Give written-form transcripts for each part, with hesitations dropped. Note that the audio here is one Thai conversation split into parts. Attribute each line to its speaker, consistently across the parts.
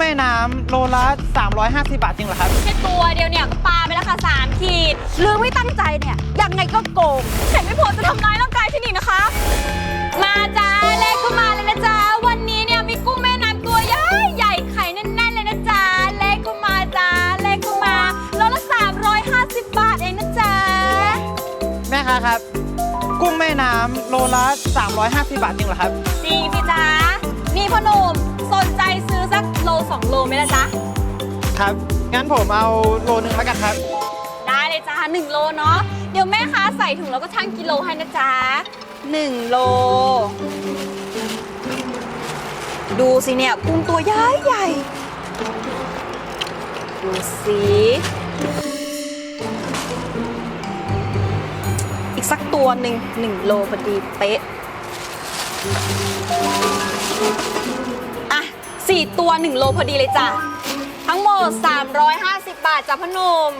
Speaker 1: แม่น้ำโลละ350 บาทจริงเหรอครับ
Speaker 2: แค่ตัวเดียวเนี่ยก็ปาไปแล้วค่ะ3 ขีดหรือไม่ตั้งใจเนี่ยยังไงก็โกงแต่ไม่พอจะทำร้ายร่างกายฉันอีกนะคะ มาจ้าเลขเข้ามาเลยนะจ๊ะวันนี้เนี่ยมีกุ้งแม่น้ำตัวใหญ่ใหญ่ไข่แน่นๆเลยนะจ๊ะเลขเข้ามาจ้าเลขเข้ามาโลละ350 บาทเองนะจ๊ะ
Speaker 1: แม่ค้าครับกุ้งแม่น้ำโลละ350 บาทจริงเหรอครับ
Speaker 2: จริงสิจ๊ะนี่พ่อหนุ่มสนใจซื้อสักโล2 โลไหมล่ะจ๊ะ
Speaker 1: ครับงั้นผมเอาโลนึงแล้วกันครับ
Speaker 2: ได้เลยจ้า1 โลเนาะเดี๋ยวแม่ค้าใส่ถุงแล้วก็ชั่งกิโลให้นะจ๊ะ1 โลดูสิเนี่ยกุ้งตัวใหญ่ใหญ่ดูสิอีกสักตัว1 โลพอดีเป๊ะอ่ะ4 ตัว1 โลพอดีเลยจ้ะทั้งหมด350 บาทจ้ะพ่อหนุ่ม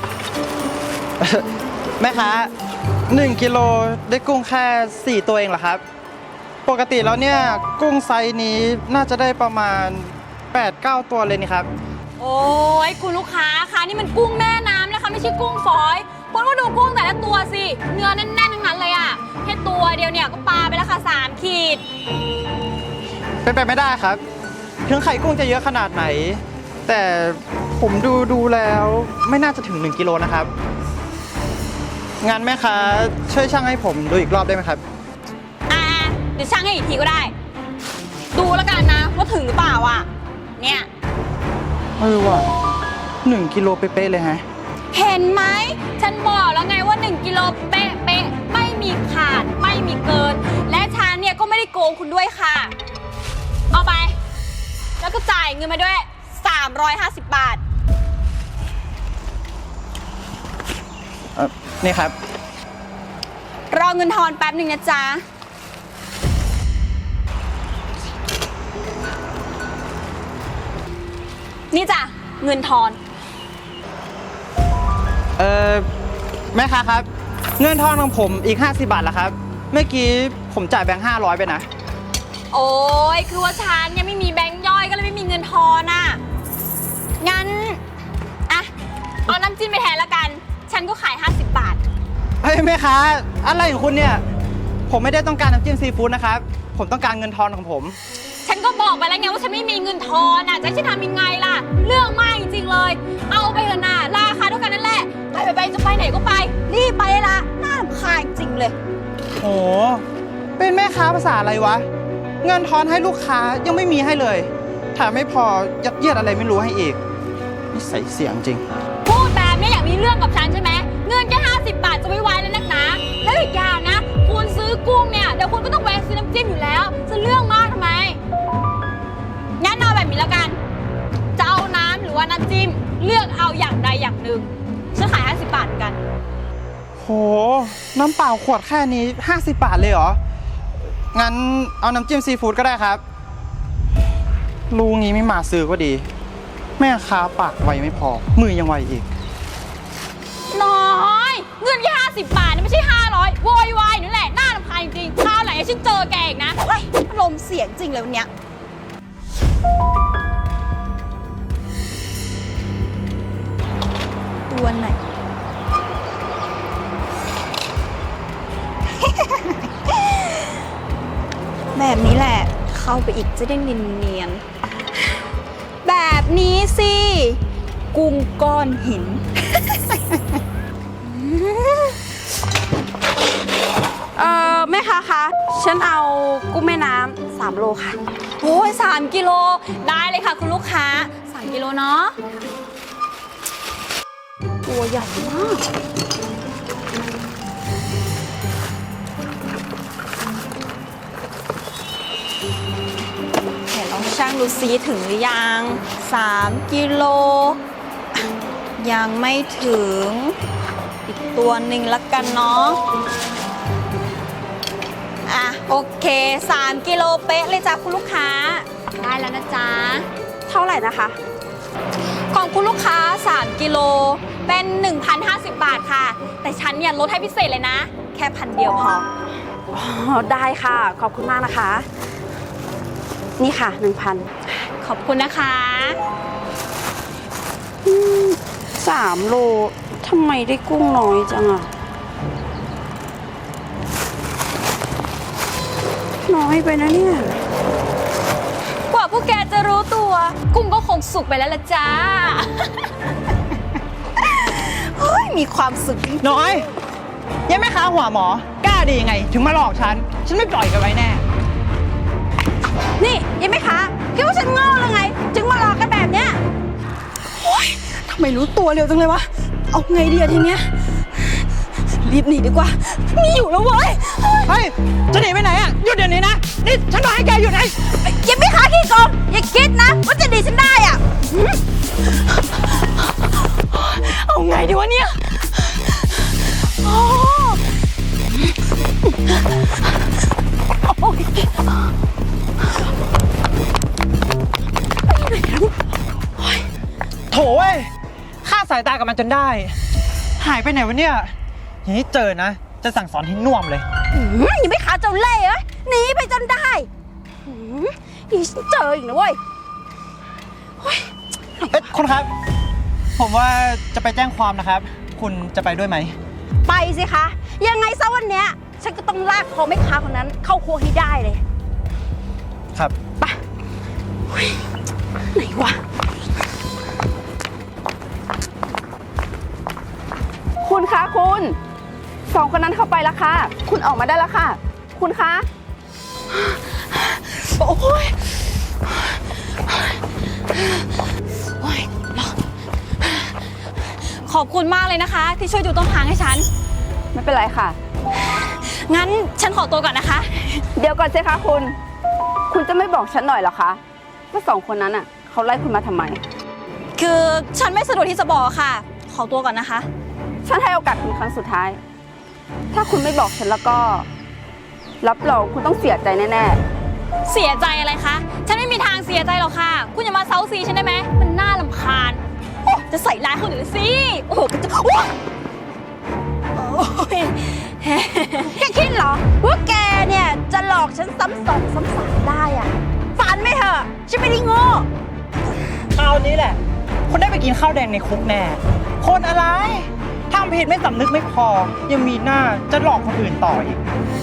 Speaker 1: แม่ค้า1 กิโลได้กุ้งแค่4 ตัวเองเหรอครับปกติแล้วเนี่ยกุ้งไซส์นี้น่าจะได้ประมาณ 8-9 ตัวเลยนี่ครับ
Speaker 2: โอ้ยคุณลูกค้าคะนี่มันกุ้งแม่น้ำนะคะไม่ใช่กุ้งฝอยคุณก็ดูกุ้งแต่ละตัวสิเนื้อแน่นๆทั้งนั้นเลยอะแค่ตัวเดียวเนี่ยก็ปาไปแล้วค่ะ3 ขีด
Speaker 1: เป็นไปไม่ได้ครับถึงไข่กุ้งจะเยอะขนาดไหนแต่ผมดูแล้วไม่น่าจะถึง1 กิโลนะครับงานแม่ค้าช่วยชั่งให้ผมดูอีกรอบได้ไหมครับ
Speaker 2: เดี๋ยวชั่งให้อีกทีก็ได้ดูแล้วกันนะว่าถึงหรือเปล่าอ่ะเนี่ย
Speaker 1: ว่ะ1 กิโลเป๊ะๆเลยฮะ
Speaker 2: เห็นไหมฉันบอกแล้วไงว่า1 กิโลเป๊ะไม่มีขาดไม่มีเกินและฉันเนี่ยก็ไม่ได้โกงคุณด้วยค่ะเอาไปแล้วก็จ่ายเงินมาด้วย350 บาท
Speaker 1: นี่ครับ
Speaker 2: รอเงินทอนแป๊บหนึ่งนะจ๊ะนี่จ้ะเงินทอน
Speaker 1: แม่ค้าครับเงินทอนของผมอีก50 บาทละครับเมื่อกี้ผมจ่ายแบงค์500ไปนะ
Speaker 2: โอ้ยคือว่าฉันยังไม่มีแบงค์ย่อยก็เลยไม่มีเงินทอนอ่ะงั้นอะเอาน้ำจิ้มไปแทนละกันฉันก็ขาย50 บาท
Speaker 1: เฮ้ยแม่ค้าอะไรของคุณเนี่ยผมไม่ได้ต้องการน้ำจิ้มซีฟู้ดนะครับผมต้องการเงินทอนของผม
Speaker 2: ฉันก็บอกไปแล้วไงว่าฉันไม่มีเงินทอนอ่ะจะให้ฉันทำยังไงล่ะเรื่องมากจริงๆเลยเอาไปเถอะนะราคาเท่ากันนั่นแหละไปจะไปไหนก็ไปรีบไปละน่ารำคาญจริงเลย
Speaker 1: โหเป็นแม่ค้าภาษาอะไรวะเงินทอนให้ลูกค้ายังไม่มีให้เลยแถมไม่พอยัดเยียดอะไรไม่รู้ให้อีกนี่ใส่เสียงจริง
Speaker 2: พูดแบบนี้อยากมีเรื่องกับฉันใช่ไหมเงินแค่50 บาทจะไม่ไหวแล้วนักหนาแล้วอีกอย่างนะคุณซื้อกุ้งเนี่ยเดี๋ยวคุณก็ต้องแวะซื้อน้ำจิ้มอยู่แล้วจะเรื่องมากทำไมงั้นเอาแบบนี้แล้วกันจะเอาน้ำหรือว่าน้ำจิ้มเลือกเอาอย่างใดอย่างหนึ่งฉันขาย50 บาทเหมือนกัน
Speaker 1: โหน้ำเปล่าขวดแค่นี้50 บาทเลยเหรองั้นเอาน้ำจิ้มซีฟู้ดก็ได้ครับลูกนี้ไม่มาซื้อก็ดีแม่ค้าปากไวไม่พอมือยังไวอีก
Speaker 2: น้อยเงินแค่50 บาทนี่ไม่ใช่500โวยวายนั่นแหละน่ารำคาญจริงคราวไหนฉันเจอแกอีกนะลมเสียงจริงเลยวันเนี้ยตัวไหน แบบนี้แหละเข้าไปอีกจะได้เนียนๆแบบนี้สิกุ้งก้อนหิน แม่ค้าคะฉันเอากุ้งแม่น้ำ3 โลค่ะโอ้ย3 กิโลได้เลยค่ะคุณลูกค้า3 กิโลเนาะตัวใหญ่มากเดี๋ยวลองชั่งดูซิถึงหรือยัง3 กิโลยังไม่ถึงอีกตัวหนึ่งละกันเนาะโอเค3 กิโลเป๊ะเลยจ้ะคุณลูกค้าได้แล้วนะจ๊ะเท่าไหร่นะคะของคุณลูกค้า3 กิโลเป็น 1,050 บาทค่ะแต่ฉันเนี่ยลดให้พิเศษเลยนะแค่1,000 เดียวพอได้ค่ะขอบคุณมากนะคะนี่ค่ะ 1,000 ขขอบคุณนะคะ
Speaker 3: 3 โลทำไมได้กุ้งน้อยจังอะน้อยไปนะเนี่ย
Speaker 2: กว่าพวกแกจะรู้ตัว กุ้งก็คงสุกไปแล้วล่ะจ้า
Speaker 3: เฮ้ย มีความสุขจริง
Speaker 1: น้อยยังไม่ค้าหัวหมอกล้าดียังไง ถึงมาหลอกฉันไม่ปล่อยกันไว้แน่
Speaker 3: นี่ยังไม่คะคิดว่าฉันโง่หรือไง จึงมาหลอกกันแบบเนี้ยโอ๊ยทำไมรู้ตัวเร็วจังเลยวะ เอาไงดีอะทีเนี้ย รีบหนีดีกว่าไม่อยู่แล้วเว้ย
Speaker 1: เฮ้ย จะหนีไปไหนอ่ะ หยุดเดี๋ยวนี้นะ นี่ฉันบอกให้แกหยุดไง
Speaker 3: ยังไม่คะขี้โกงอย่าคิดนะว่าจะหนีฉันได้อะเอาไงดีวะเนี่ยโอ้โอ้ย
Speaker 1: โถเว้ยฆ่าสายตากับมันจนได้ หายไปไหนวะเนี่ยอย่างนี้เจอนะ จะสั่งสอนให้น่วมเลย
Speaker 3: ยังไม่ขาเจ้าเล่ห์เอ้ยหนีไปจนได้อีฉันเจออีกนะเว้ย
Speaker 1: เอ๊ะคุณครับ ผมว่าจะไปแจ้งความนะครับ คุณจะไปด้วยไหม
Speaker 3: ไปสิคะ ยังไงซะวันเนี้ยฉันก็ต้องลากคอแม่ค้าคนนั้นเข้าครัวให้ได้เลย
Speaker 1: ครับ
Speaker 3: ไปเฮ้ยไหนวะ คุณคะคุณ2 คนนั้นเข้าไปแล้วค่ะ คุณออกมาได้แล้วค่ะ คุณคะ โอ้ยโอ้ย
Speaker 2: ขอบคุณมากเลยนะคะ ที่ช่วยดูต้นทางให้ฉัน
Speaker 3: ไม่เป็นไรค่ะ
Speaker 2: งั้นฉันขอตัวก่อนนะคะ
Speaker 3: เดี๋ยวก่อนสิคะคุณจะไม่บอกฉันหน่อยเหรอคะว่า2 คนนั้นอ่ะเขาไล่คุณมาทำไม
Speaker 2: คือฉันไม่สะดวกที่จะบอกค่ะ ขอตัวก่อนนะคะ
Speaker 3: ฉันให้โอกาสคุณครั้งสุดท้าย ถ้าคุณไม่บอกฉันแล้วก็ รับรองคุณต้องเสียใจแน่
Speaker 2: เสียใจอะไรคะ ฉันไม่มีทางเสียใจหรอกค่ะ คุณอย่ามาเซาซีฉันได้ไหม มันน่ารำคาญโอ้จะใส่ร้ายคนอื่นสิ โอ้โหจะโอ้ย
Speaker 3: ๆ แกคิดเหรอว่าแกเนี่ยจะหลอกฉันซ้ำสองซ้ำสามได้อ่ะฝันไม่เถอะฉันไม่ได้โง่
Speaker 1: คราวนี้แหละ คุณได้ไปกินข้าวแดงในคุกแน่ คนอะไรทำผิดไม่สำนึกไม่พอ ยังมีหน้าจะหลอกคนอื่นต่ออีก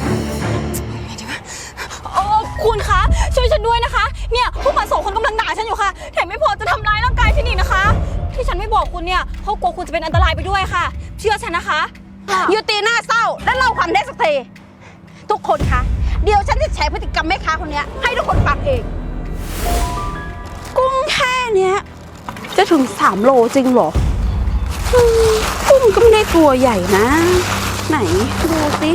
Speaker 2: คุณคะ ช่วยฉันด้วยนะคะ เนี่ยพวกมัน2 คนกำลังด่าฉันอยู่ค่ะ แถมไม่พอจะทำร้ายร่างกายฉันอีกนะคะ ที่ฉันไม่บอกคุณเนี่ยเพราะกลัวคุณจะเป็นอันตรายไปด้วยค่ะ เชื่อฉันนะคะ
Speaker 3: อยู่ตีหน้าเศร้าและเล่าความเท็จสักทีทุกคนคะเดี๋ยวฉันจะแฉพฤติกรรมแม่ค้าคนเนี้ยให้ทุกคนฟังเอง กุ้งแค่เนี้ยจะถึง3 โลจริงเหรอกุ้งก็ไม่ได้ตัวใหญ่นะ ไหนดูสิ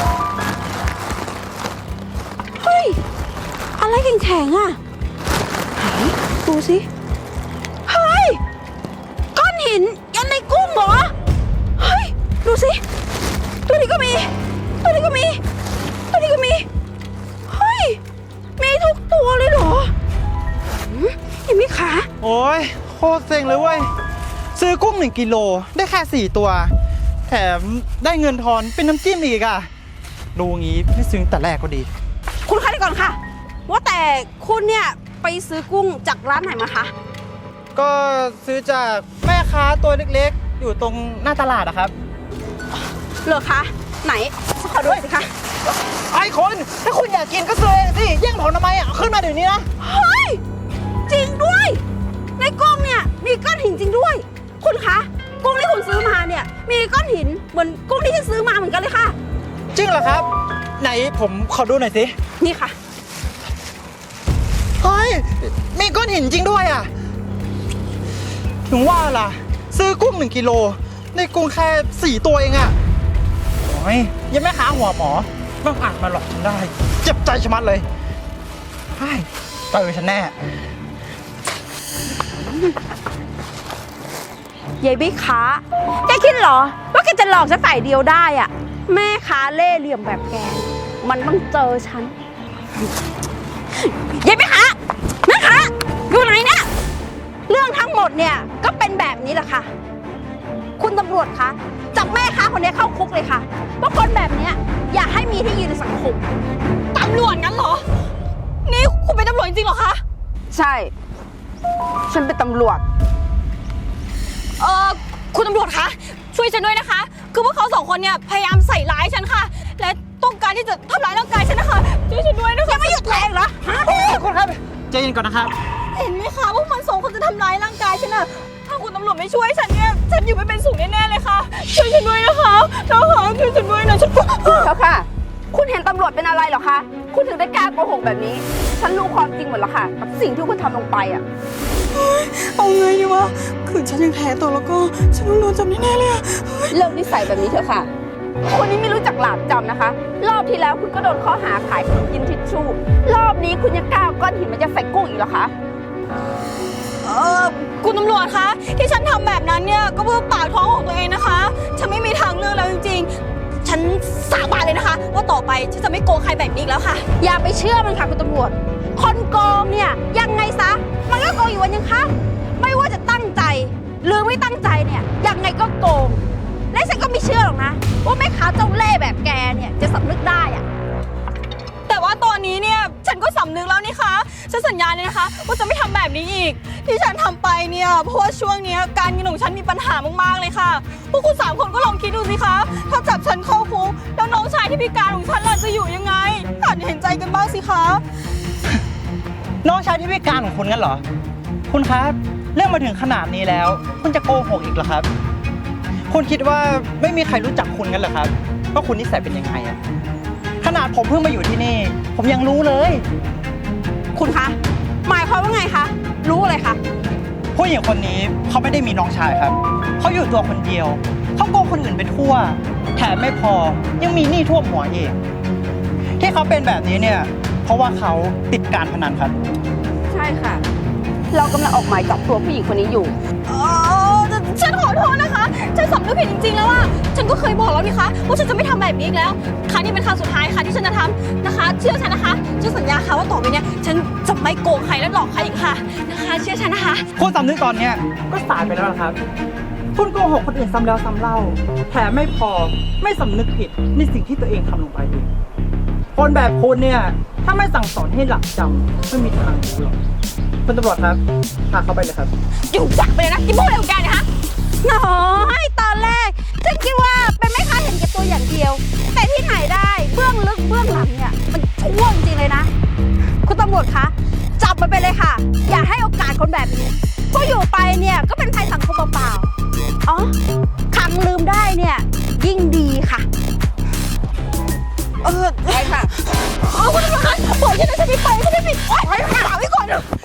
Speaker 3: เฮ้ยอะไรแข็งๆอ่ะไหนดูสิเฮ้ยก้อนหินยันในกุ้งเหรอเฮ้ยดูสิตัวนี้ก็มีตัวนี้ก็มีตัวนี้ก็มีเฮ้ยมีทุกตัวเลยเหรอเห็นไหมคะ
Speaker 1: โอ้ยโคตรเซ็งเลยเว้ย ซื้อกุ้ง1 กิโลได้แค่4 ตัว แถมได้เงินทอนเป็นน้ำจิ้มอีกอ่ะ ดูงี้ไม่ซื้อแต่แรกก็ดี
Speaker 3: คุณคะเดี๋ยวก่อนค่ะ ว่าแต่คุณเนี่ยไปซื้อกุ้งจากร้านไหนมาคะ
Speaker 1: ก็ซื้อจากแม่ค้าตัวเล็กๆ อยู่ตรงหน้าตลาดอะครับ
Speaker 3: เหรอคะไหนขอดูสิคะ
Speaker 1: ไอ้คนถ้าคุณอยากกินก็ซื้อเองสิแย่งผมทำไมอ่ะเอาขึ้นมาเดี๋ยวนี้นะ
Speaker 3: เฮ้ยจริงด้วยในกุ้งเนี่ยมีก้อนหินจริงด้วย คุณคะกุ้งที่คุณซื้อมาเนี่ยมีก้อนหินเหมือนกุ้งที่ฉันซื้อมาเหมือนกันเลยค่ะ
Speaker 1: จริงเหรอครับ ไหนผมขอดูหน่อยสิ
Speaker 3: นี่ค่ะ
Speaker 1: เฮ้ย มีก้อนหินจริงด้วยอ่ะ ถึงว่าล่ะ ซื้อกุ้ง1 กิโลได้กุ้งแค่4 ตัวเองอ่ะโอ้ยยังไม่ค้าหัวหมอต้องอาจมาหลอกฉันได้ เจ็บใจชะมัดเลยใช่เจอฉันแน่
Speaker 3: ยายบิ๊กค้าแกคิดเหรอว่าแกจะหลอกฉันฝ่ายเดียวได้อะแม่ค้าเล่ห์เหลี่ยมแบบแกมันต้องเจอฉันยายบิ๊กค้าแม่ค้าอยู่ไหนเนี่ยเรื่องทั้งหมดเนี่ยก็เป็นแบบนี้แหละค่ะ คุณตำรวจคะจับแม่ค้าคนนี้เข้าคุกเลยค่ะเพราะคนแบบเนี้ยอย่าให้มีที่ยืนในสังคม
Speaker 2: ตำรวจงั้นเหรอ นี่คุณเป็นตำรวจจริงๆเหรอคะ
Speaker 3: ใช่ฉันเป็นตำรวจ
Speaker 2: คุณตำรวจคะช่วยฉันด้วยนะคะ คือพวกเขาสองคนเนี่ยพยายามใส่ร้ายฉันค่ะ และต้องการที่จะทำร้ายร่างกายฉันนะคะช่วยฉันด้วยนะคะยังไม่หยุดแรงเหรอ
Speaker 1: คุณครับใจเย็นก่อนนะครับ
Speaker 2: เห็นไหมคะพวกมันสองคนจะทำร้ายร่างกายฉันอะถ้าคุณตำรวจไม่ช่วยฉันเนี่ยฉันอยู่ไม่เป็นสุขแน่ๆเลยค่ะช่วยฉันด้วยนะคะนะคะช่วยฉันด้วยนะฉัน
Speaker 3: เจ้าค่ะ คุณเห็นตำรวจเป็นอะไรเหรอคะ คุณถึงได้กล้าโกหกแบบนี้ ฉันรู้ความจริงหมดแล้วค่ะ กับสิ่งที่คุณทำลงไปอ่ะ
Speaker 2: เอาไงดีวะคือฉันยังแพ้ตัวแล้วก็ฉันต้องโดนจับแน่ๆเลยอะ
Speaker 3: เลิกนิสัยแบบนี้เถอะค่ะ คนนี้ไม่รู้จักหลาบจำนะคะ รอบที่แล้วคุณก็โดนข้อหาขายขนมกินทิชชู่ รอบนี้คุณยังกล้าเอาก้อนหินมันจะใส่กุ้งอีกเหรอคะ
Speaker 2: คุณตำรวจคะที่ฉันทำแบบนั้นเนี่ยก็เพื่อปากท้องของตัวเองนะคะฉันไม่มีทางเลือกแล้วจริงๆฉันสาบานเลยนะคะ ว่าต่อไปฉันจะไม่โกงใครแบบนี้อีกแล้วค่ะ
Speaker 3: อย่าไปเชื่อมันค่ะคุณตำรวจ คนโกงเนี่ยยังไงซะ มันก็โกงอยู่วันยังค่ำไม่ว่าจะตั้งใจ หรือไม่ตั้งใจเนี่ยยังไงก็โกง และฉันก็ไม่เชื่อหรอกนะ ว่าแม่ค้าเจ้าเล่ห์แบบแกเนี่ยจะสำนึกได้อะ
Speaker 2: แต่ว่าตอนนี้เนี่ยฉันก็สำนึกแล้วนี่คะฉันสัญญาเลยนะคะว่าจะไม่ทำแบบนี้อีก ที่ฉันทำไปเนี่ยเพราะว่าช่วงเนี้ยการเงินของฉันมีปัญหามากๆเลยค่ะพวกคุณสามคนก็ลองคิดดูสิคะถ้าจับฉันเข้าคุกแล้วน้องชายที่พิการของฉันล่ะจะอยู่ยังไงหัดเห็นใจกันบ้างสิคะ
Speaker 1: น้องชายที่พิการของคุณงั้นเหรอ คุณครับเรื่องมาถึงขนาดนี้แล้ว คุณจะโกหกอีกเหรอครับ คุณคิดว่าไม่มีใครรู้จักคุณงั้นเหรอครับว่าคุณนิสัยเป็นยังไงอะขนาดผมเพิ่งมาอยู่ที่นี่ ผมยังรู้เลย
Speaker 3: คุณคะ หมายความว่าไงคะ รู้อะไรคะ
Speaker 1: ผู้หญิงคนนี้เขาไม่ได้มีน้องชายครับ เขาอยู่ตัวคนเดียว เขาโกงคนอื่นไปทั่ว แถมไม่พอยังมีหนี้ท่วมหัวอีกที่เขาเป็นแบบนี้เนี่ย เพราะว่าเขาติดการพนันครับ
Speaker 3: ใช่ค่ะ เรากำลังออกหมายจับตัวผู้หญิงคนนี้อยู่
Speaker 2: ฉันขอโทษนะคะ ฉันสำนึกผิดจริงๆแล้วว่าฉันก็เคยบอกแล้วนี่คะว่าฉันจะไม่ทำแบบนี้อีกแล้ว ครั้งนี้เป็นครั้งสุดท้ายค่ะที่ฉันจะทำนะคะ เชื่อฉันนะคะฉันสัญญาค่ะว่าต่อไปเนี้ยฉันจะไม่โกงใครและหลอกใครอีกค่ะนะคะ เชื่อฉันนะคะ
Speaker 1: คุณสำนึกตอนเนี้ยก็สายไปแล้วนะครับ คุณโกหกคนอื่นซ้ำแล้วซ้ำเล่า แถมไม่พอไม่สำนึกผิดในสิ่งที่ตัวเองทำลงไปอีกคนแบบคุณเนี่ยถ้าไม่สั่งสอนให้หลักจำไม่มีทางรู้หรอกคุณตำรวจครับพาเขาไปเลยครับ
Speaker 2: อยู่จักไปเลยนะกินพวกอะไรของแกเนี่ยฮะ
Speaker 3: น้อยตอนแรกฉันคิดว่าเป็นแม่ค้าเห็นแก่ตัวอย่างเดียว แต่ที่ไหนได้เบื้องลึกเบื้องหลังเนี่ยมันชั่วจริงๆเลยนะ คุณตำรวจคะจับมันไปเลยค่ะ อย่าให้โอกาสคนแบบนี้เพราะอยู่ไปเนี่ยก็เป็นภัยสังคมเปล่าๆอ๋อขังลืมได้เนี่ยยิ่งดีค่ะใช่ค่ะ
Speaker 2: เอาคุณตำรวจคะปล่อยฉันนะฉันไม่ไปฉันไม่ปิดโอ๊ยไปหาไว้ก่อนเถอะ